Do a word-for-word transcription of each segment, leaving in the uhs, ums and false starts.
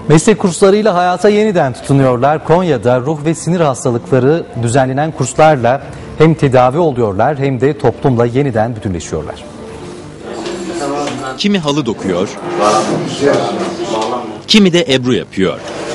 Meslek kurslarıyla hayata yeniden tutunuyorlar. Konya'da ruh ve sinir hastalıkları düzenlenen kurslarla hem tedavi oluyorlar hem de toplumla yeniden bütünleşiyorlar. Kimi halı dokuyor, kimi de ebru yapıyor.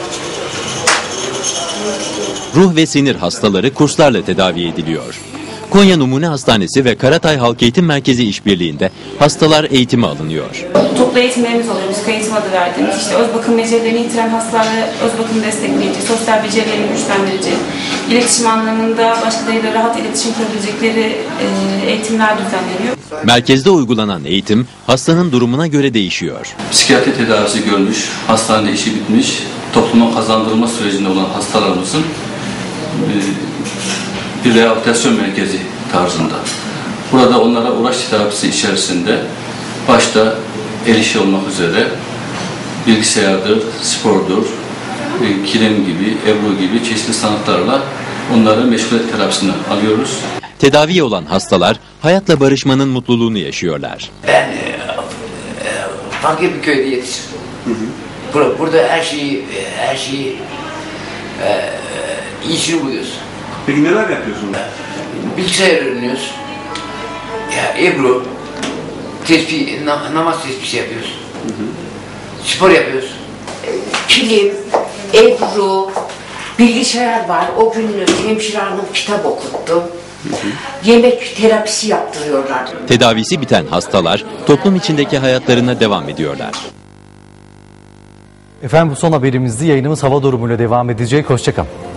Ruh ve sinir hastaları kurslarla tedavi ediliyor. Konya Numune Hastanesi ve Karatay Halk Eğitim Merkezi işbirliğinde hastalar eğitime alınıyor. Toplu eğitimlerimiz oluyor. Müzik eğitim adı verdiğimiz. İşte öz bakım becerilerini yitiren hastalara öz bakım destekleyici, sosyal becerilerini güçlendirici, iletişim anlamında başkalarıyla rahat iletişim kurabilecekleri e, eğitimler düzenleniyor. Merkezde uygulanan eğitim hastanın durumuna göre değişiyor. Psikiyatri tedavisi görmüş, hastanede işi bitmiş, topluma kazandırılma sürecinde olan hastalarımızın bir rehabilitasyon merkezi tarzında. Burada onlara uğraş tedavisi içerisinde başta el işi olmak üzere bilgisayardır, spordur, kilim gibi, ebru gibi çeşitli sanatlarla onları meşguliyet terapisini alıyoruz. Tedavi olan hastalar hayatla barışmanın mutluluğunu yaşıyorlar. Ben e, e, fakir bir köyde yetiştim. Hı hı. Burada, burada her şeyi, her şeyi e, iyisini buluyoruz. Peki neler yapıyorsun? Bilgisayar öğreniyoruz. Ya Ebru, tespih, na, namaz tespih yapıyoruz. Hı hı. Spor yapıyoruz. Kilim, Ebru, bilgisayar var. O gün hemşire hanım kitap okuttu. Hı hı. Yemek terapisi yaptırıyorlar. Tedavisi biten hastalar toplum içindeki hayatlarına devam ediyorlar. Efendim bu son haberimizdi. Yayınımız hava durumuyla devam edecek. Hoşça kalın.